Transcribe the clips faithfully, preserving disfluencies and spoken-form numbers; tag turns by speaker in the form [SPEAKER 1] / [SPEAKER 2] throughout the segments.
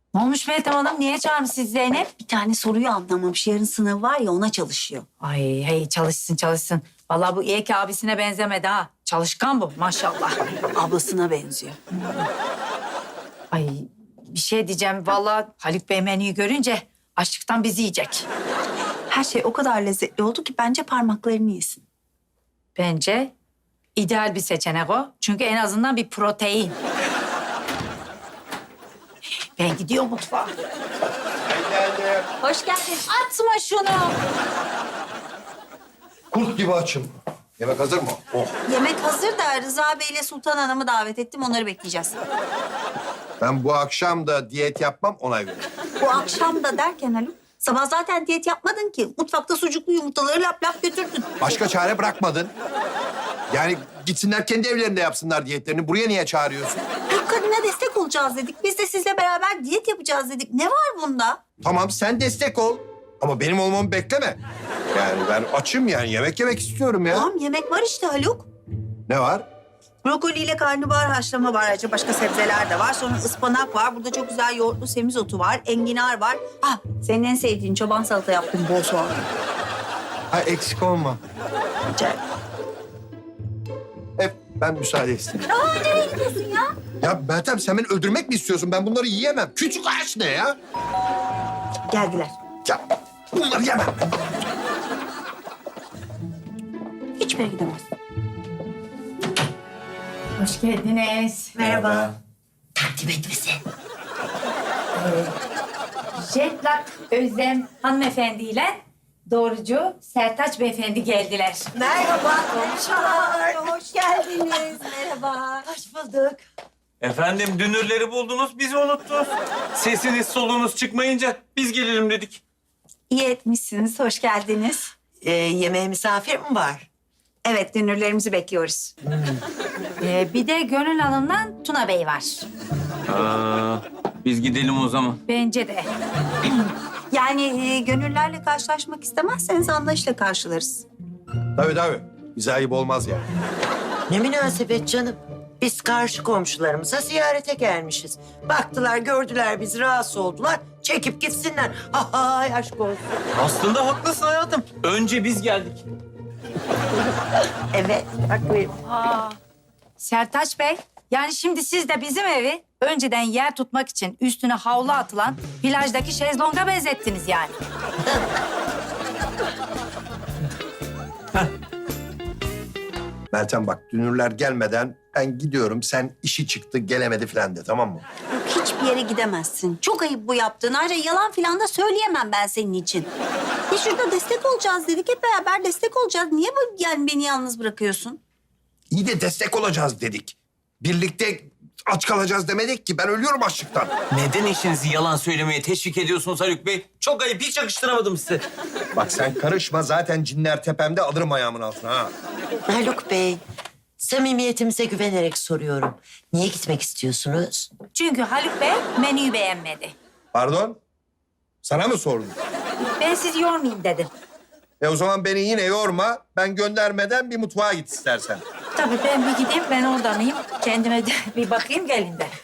[SPEAKER 1] Ne olmuş Meltem Hanım? Niye çağırmış siz Zeynep?
[SPEAKER 2] Bir tane soruyu anlamamış. Yarın sınavı var ya ona çalışıyor.
[SPEAKER 1] Ay hey çalışsın çalışsın. Vallahi bu iyi ki abisine benzemedi ha. Çalışkan bu maşallah.
[SPEAKER 2] Ablasına benziyor.
[SPEAKER 1] Ay bir şey diyeceğim. Vallahi Haluk Bey menüyü görünce açlıktan bizi yiyecek.
[SPEAKER 2] Her şey o kadar lezzetli oldu ki bence parmaklarını yesin.
[SPEAKER 1] Bence ideal bir seçenek o. Çünkü en azından bir protein. Ben gidiyorum mutfağa.
[SPEAKER 3] Geldim.
[SPEAKER 1] Hoş geldin. Atma şunu.
[SPEAKER 3] Kurt gibi açım. Yemek hazır mı? Oh.
[SPEAKER 2] Yemek hazır da Rıza Bey ile Sultan Hanım'ı davet ettim. Onları bekleyeceğiz.
[SPEAKER 3] Ben bu akşam da diyet yapmam ona göre.
[SPEAKER 2] Bu akşam da derken Haluk, sabah zaten diyet yapmadın ki. Mutfakta sucuklu yumurtaları lap lap götürdün.
[SPEAKER 3] Başka çare bırakmadın. Yani gitsinler kendi evlerinde yapsınlar diyetlerini. Buraya niye çağırıyorsun?
[SPEAKER 2] Türk kadına destek olacağız dedik. Biz de sizle beraber diyet yapacağız dedik. Ne var bunda?
[SPEAKER 3] Tamam sen destek ol. Ama benim olmamı bekleme. Yani ben açım yani yemek yemek istiyorum ya.
[SPEAKER 2] Tamam yemek var işte Haluk.
[SPEAKER 3] Ne var?
[SPEAKER 2] Brokoliyle karnabahar haşlama var. Ayrıca başka sebzeler de var. Sonra ıspanak var. Burada çok güzel yoğurtlu semizotu var. Enginar var. Ha, senin en sevdiğin çoban salata yaptım bol soğan.
[SPEAKER 3] Ha eksik olma.
[SPEAKER 2] Rica ederim.
[SPEAKER 3] Hep ben müsaade istedim.
[SPEAKER 2] Aa, nereye gidiyorsun ya?
[SPEAKER 3] Ya Meltem sen beni öldürmek mi istiyorsun? Ben bunları yiyemem. Küçük ağaç ne ya?
[SPEAKER 2] Geldiler.
[SPEAKER 3] Ya bunları yemem.
[SPEAKER 2] Hiçbir yere gidemez.
[SPEAKER 1] Hoş geldiniz.
[SPEAKER 2] Merhaba. Takdim et bizi.
[SPEAKER 1] Jetlag Özlem hanımefendiyle doğrucu Sertaç beyefendi geldiler.
[SPEAKER 2] Merhaba komşular. Hoş geldiniz. Merhaba. Hoş bulduk.
[SPEAKER 4] Efendim dünürleri buldunuz, bizi unuttunuz. Sesiniz soluğunuz çıkmayınca biz gelelim dedik.
[SPEAKER 2] İyi etmişsiniz. Hoş geldiniz.
[SPEAKER 5] Ee, yemeğe misafir mi var?
[SPEAKER 2] Evet, dünürlerimizi bekliyoruz.
[SPEAKER 1] Ee, bir de Gönül Hanım'la Tuna Bey var.
[SPEAKER 4] Aa, biz gidelim o zaman.
[SPEAKER 1] Bence de.
[SPEAKER 2] Yani e, gönüllerle karşılaşmak istemezseniz anlayışla karşılarız.
[SPEAKER 3] Tabii tabii. Bize ayıp olmaz yani.
[SPEAKER 5] Ne münasebet canım. Biz karşı komşularımıza ziyarete gelmişiz. Baktılar, gördüler bizi, rahatsız oldular. Çekip gitsinler. Ha ha, aşk olsun.
[SPEAKER 4] Aslında haklısın hayatım. Önce biz geldik.
[SPEAKER 5] Evet, bak buyurun.
[SPEAKER 1] Aa, Sertaç Bey, yani şimdi siz de bizim evi önceden yer tutmak için üstüne havlu atılan plajdaki şezlonga benzettiniz yani.
[SPEAKER 3] Meltem bak dünürler gelmeden ben gidiyorum. Sen işi çıktı gelemedi falan de tamam mı?
[SPEAKER 2] Yok, hiçbir yere gidemezsin. Çok ayıp bu yaptığın. Ayrıca yalan falan da söyleyemem ben senin için. Ya şurada destek olacağız dedik. Hep beraber destek olacağız. Niye bu yani beni yalnız bırakıyorsun?
[SPEAKER 3] İyi de destek olacağız dedik. Birlikte aç kalacağız demedik ki. Ben ölüyorum açlıktan.
[SPEAKER 4] Neden eşinizi yalan söylemeye teşvik ediyorsunuz Haluk Bey? Çok ayıp, hiç yakıştıramadım size.
[SPEAKER 3] Bak sen karışma zaten cinler tepemde alırım ayağımın altına ha.
[SPEAKER 5] Haluk Bey, samimiyetimize güvenerek soruyorum. Niye gitmek istiyorsunuz?
[SPEAKER 1] Çünkü Haluk Bey menüyü beğenmedi.
[SPEAKER 3] Pardon? Sana mı sordum?
[SPEAKER 1] Ben sizi yormayayım dedim.
[SPEAKER 3] E o zaman beni yine yorma. Ben göndermeden bir mutfağa git istersen.
[SPEAKER 1] Tabii ben bir gideyim, ben oradanayım. Kendime de bir bakayım gelin de.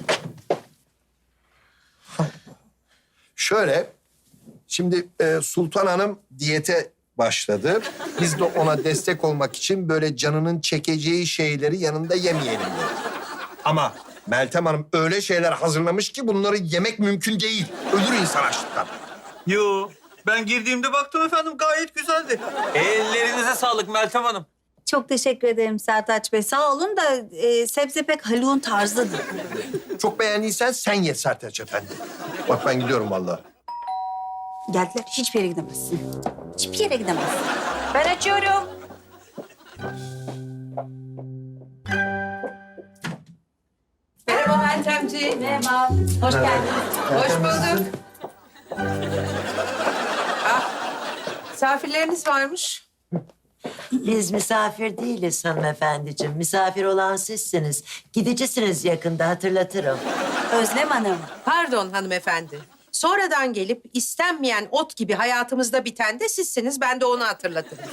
[SPEAKER 3] Şöyle, şimdi e, Sultan Hanım diyete başladı. Biz de ona destek olmak için böyle canının çekeceği şeyleri yanında yemeyelim dedik. Ama Meltem Hanım öyle şeyler hazırlamış ki bunları yemek mümkün değil. Ölür insan açlıktan.
[SPEAKER 4] Yo, ben girdiğimde baktım efendim gayet güzeldi. Ellerinize sağlık Meltem Hanım.
[SPEAKER 2] Çok teşekkür ederim Sertaç Bey. Sağ olun da e, sebze pek Haluk'un tarzı değil.
[SPEAKER 3] Çok beğendiysen sen ye Sertaç Efendi. Bak ben gidiyorum vallahi.
[SPEAKER 2] Geldiler. Hiçbir yere gidemezsin. Hiçbir yere gidemezsin.
[SPEAKER 1] Ben açıyorum.
[SPEAKER 6] Merhaba Meltemciğim.
[SPEAKER 1] Merhaba, hoş geldiniz.
[SPEAKER 6] Hoş bulduk. Ah, misafirleriniz varmış.
[SPEAKER 5] Biz misafir değiliz hanımefendiciğim. Misafir olan sizsiniz. Gidicisiniz yakında, hatırlatırım.
[SPEAKER 2] Özlem Hanım.
[SPEAKER 6] Pardon hanımefendi. Sonradan gelip istenmeyen ot gibi hayatımızda biten de sizsiniz. Ben de onu hatırlatırım.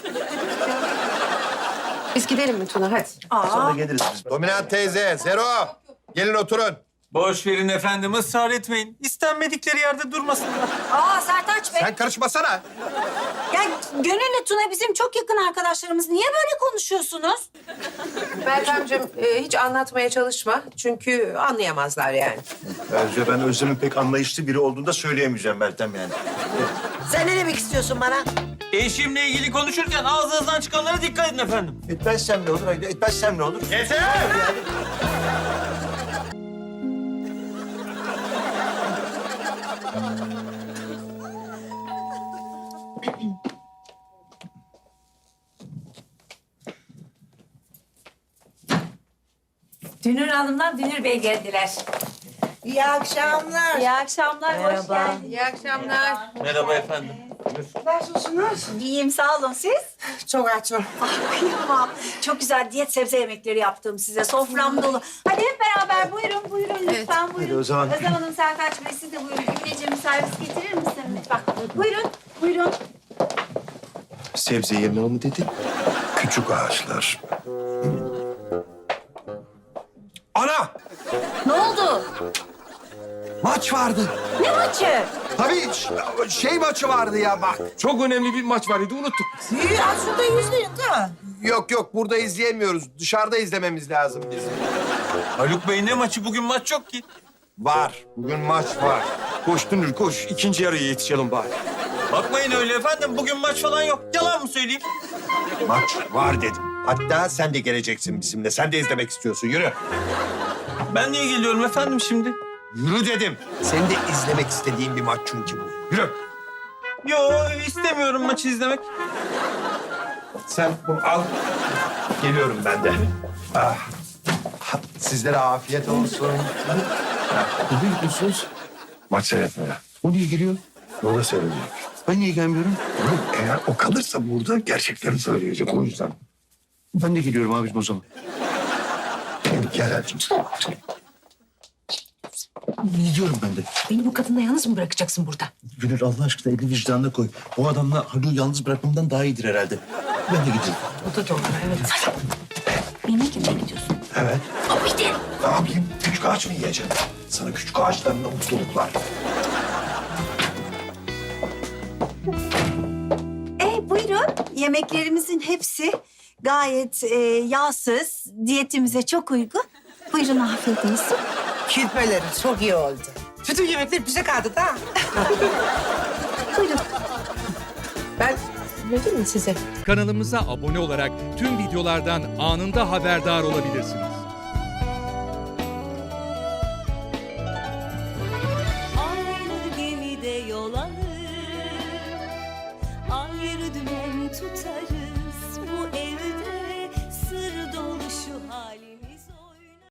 [SPEAKER 6] Biz gidelim mi Tuna? Hadi.
[SPEAKER 3] Sonra geliriz biz. Dominant teyze, Zero. Gelin oturun.
[SPEAKER 4] Boş verin efendim, ısrar etmeyin. İstenmedikleri yerde durmasınlar.
[SPEAKER 2] Aa Sertaç Bey.
[SPEAKER 3] Sen karışmasana.
[SPEAKER 2] Ya Gönül'le Tuna bizim çok yakın arkadaşlarımız. Niye böyle konuşuyorsunuz?
[SPEAKER 6] Meltemciğim e, hiç anlatmaya çalışma. Çünkü anlayamazlar yani.
[SPEAKER 7] Bence ben Özlem'in pek anlayışlı biri olduğunu da söyleyemeyeceğim Meltem yani.
[SPEAKER 5] Sen ne demek istiyorsun bana?
[SPEAKER 4] Eşimle ilgili konuşurken ağzınızdan çıkanlara dikkat edin efendim.
[SPEAKER 7] Etmezsem ne olur? Etmezsem ne olur?
[SPEAKER 4] Yeter!
[SPEAKER 1] Dünür Hanım'dan Dünür Bey geldiler.
[SPEAKER 5] İyi akşamlar.
[SPEAKER 2] İyi akşamlar. Hoş geldin.
[SPEAKER 6] İyi akşamlar.
[SPEAKER 4] Merhaba efendim.
[SPEAKER 5] Nasılsınız?
[SPEAKER 2] İyiyim sağ olun siz.
[SPEAKER 5] Çok açım.
[SPEAKER 2] Ah kıyamam. Çok güzel diyet sebze yemekleri yaptım size. Sofram dolu. Hadi hep beraber buyurun buyurun lütfen buyurun.
[SPEAKER 7] Hadi o zaman.
[SPEAKER 2] Özlem Hanım, Sertaç Bey siz de buyurun. Emineciğim servis getirir misin lütfen? Buyurun buyurun.
[SPEAKER 7] Sebze yeme mı dedi? Küçük ağaçlar.
[SPEAKER 3] Ana!
[SPEAKER 2] Ne oldu?
[SPEAKER 3] Maç vardı.
[SPEAKER 2] Ne maçı?
[SPEAKER 3] Tabii ş- şey maçı vardı ya bak.
[SPEAKER 8] Çok önemli bir maç vardı, unuttuk.
[SPEAKER 5] İyi aslında yüzdeyin değil mi?
[SPEAKER 3] Yok yok burada izleyemiyoruz. Dışarıda izlememiz lazım bizim.
[SPEAKER 4] Haluk Bey ne maçı? Bugün maç yok ki.
[SPEAKER 3] Var. Bugün maç var.
[SPEAKER 8] Koş Dünür koş, ikinci yarıya yetişelim bari.
[SPEAKER 4] Bakmayın öyle efendim. Bugün maç falan yok. Yalan mı söyleyeyim?
[SPEAKER 3] Maç var dedim. Hatta sen de geleceksin bizimle. Sen de izlemek istiyorsun. Yürü.
[SPEAKER 4] Ben niye geliyorum efendim şimdi?
[SPEAKER 3] Yürü dedim. Senin de izlemek istediğin bir maç çünkü bu. Yürü.
[SPEAKER 4] Yo, istemiyorum maçı izlemek.
[SPEAKER 3] Sen bunu al. Geliyorum ben de. Ah. Sizlere afiyet olsun.
[SPEAKER 7] Ne gidiyorsunuz? Maç seyretmeye. O niye geliyor? O da seyredecek. Ben niye gelmiyorum? Oğlum eğer o kalırsa burada gerçekleri söyleyecek o yüzden. Ben de geliyorum abicim o zaman. Gel hadi. Gidiyorum ben de.
[SPEAKER 6] Beni bu kadınla yalnız mı bırakacaksın burada?
[SPEAKER 7] Gönül Allah aşkına elini vicdanına koy. O adamla Haluk'u yalnız bırakmamdan daha iyidir herhalde. Ben de gideyim.
[SPEAKER 6] O da doğru, evet.
[SPEAKER 2] Yemek yemeye gidiyorsun.
[SPEAKER 7] Evet.
[SPEAKER 2] Ama işte.
[SPEAKER 7] Ne yapayım? Küçük ağaç mı yiyeceğim? Sana küçük ağaçlarla mutluluklar.
[SPEAKER 2] E buyurun. Yemeklerimizin hepsi gayet e, yağsız, diyetimize çok uygun. Buyurun afiyet olsun.
[SPEAKER 5] Kirpeleri çok iyi oldu.
[SPEAKER 6] Bütün yemekler bize kaldı da.
[SPEAKER 2] Buyurun.
[SPEAKER 6] Ben vereyim mi size?
[SPEAKER 9] Kanalımıza abone olarak tüm videolardan anında haberdar olabilirsiniz.
[SPEAKER 10] Aynı gemide yol alır, ayrı dümen tutarız.